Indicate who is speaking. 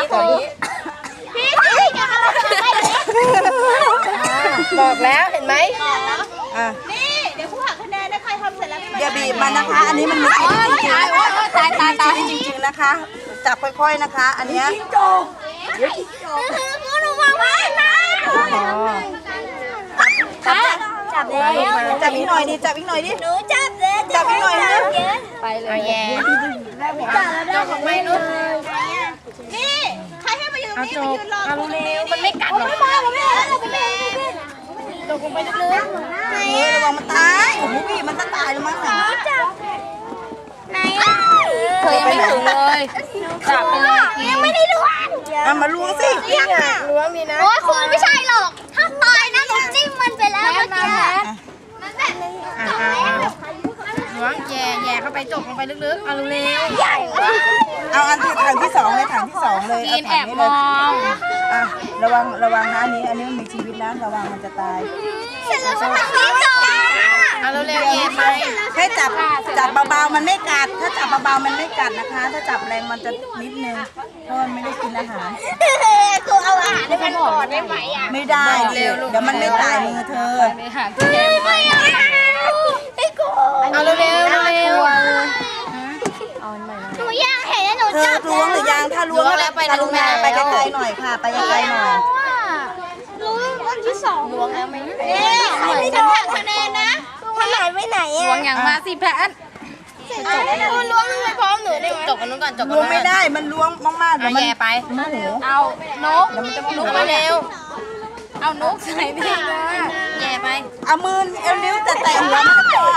Speaker 1: ตอนนี้
Speaker 2: พี่อย่าอะไร
Speaker 1: บอกแล้วเห็นไหม
Speaker 3: อ่ะ
Speaker 2: นี่เดี๋ยวผู้หักคะแนนนะใครทำเสร็จแล้วไม่
Speaker 3: อย่าบีบมันนะคะ อันนี้มันมีชีวิตจริงๆ
Speaker 1: ตายตายตาย
Speaker 3: มีชีวิตจริงๆนะคะ จับค่อยๆนะคะ อันเนี้ย
Speaker 2: กูหนูวางไว้นะ
Speaker 3: จับอีกหน่อยดิจับอีกหน่อยดิ
Speaker 2: หนูจับเลย
Speaker 3: จับอีกหน่อยนะ
Speaker 1: ไปเลยแย่จกออกไปนู้น
Speaker 2: นี่ใครให้มาอยู่ตรงนี้
Speaker 1: จ
Speaker 2: มาก ยืนรอ
Speaker 1: เอาเร็วมันไม่กัดหรอก
Speaker 2: ตกลงไปลึก
Speaker 3: เฮ้ยระวังมันตายโอ้โหบีบมันจะตายแล้วมั้งน่ะ
Speaker 2: ไหนอ่ะ
Speaker 1: เธอยังไม่ถึงเลยจับไปเลย
Speaker 2: ยังไม่ได้ล้วง
Speaker 3: เอามาล้วงสิ
Speaker 2: ยังอ่ะ
Speaker 1: ล้วงมีนะ
Speaker 2: โอ้ยคุณไม่ใช่หรอก ถ้าตายนะหนูจิ้มมันไปแล้วเมื่อกี้มันแบบ
Speaker 1: ล้วงแย่เข้าไปจกลงไปลึกๆเอาเร็ว
Speaker 2: ใหญ่
Speaker 3: เอาอันที่ถังที่สองเลยถังที่สองเลย
Speaker 1: กินแอบมอง
Speaker 3: อ่ะระวังนะอันนี้มันมีชีวิตนะระวังมันจะตาย
Speaker 2: เสร็จแล้วฉันทำนี้ต่อ
Speaker 1: เอาเร็วๆแย่ไป
Speaker 3: แค่จับเบาๆมันไม่กัด ถ้าจับเบาๆมันไม่กัดนะคะ ถ้าจับแรงมันจะนิดนึงเพราะมันไม่ได้กินอาหาร
Speaker 2: กูเอาอาหารให้มันก่อนได้ไหมอ่ะ
Speaker 3: ไม่ได้เดี๋ยวมันไม่ตายมือเธอ
Speaker 1: ไปหาที่แย่ไป
Speaker 2: ไอ้กู
Speaker 1: เอาเร็วเร็ว
Speaker 2: หนูย่างเห็นแล้วหนู
Speaker 3: เธอ
Speaker 2: จับ
Speaker 3: ล้วงหรือยังถ้าล้วงไปไกลๆหน่อยค่ะ ไปไกลๆหน่อย
Speaker 2: รู้วันที่สองล้วงแล้วไหมฉันหักคะแนนนะมันหายไปไหน
Speaker 1: ล้ว
Speaker 2: อ่ะ
Speaker 1: งอย่างมาสิแพท
Speaker 2: คุณล้วงไปพร้อมหนูได้ไหม
Speaker 1: จกกันนู้นก่อนจกกัน
Speaker 3: ล้วงไม่ได้มันล้วงมากๆเดี๋ยวมัน
Speaker 1: แย่ไป
Speaker 3: โมโห
Speaker 1: เอานกลุกมาเร็วเอานกใส่ดิแย่ไป
Speaker 3: เอามือเอานิ้วแต่หัวมันก็พอ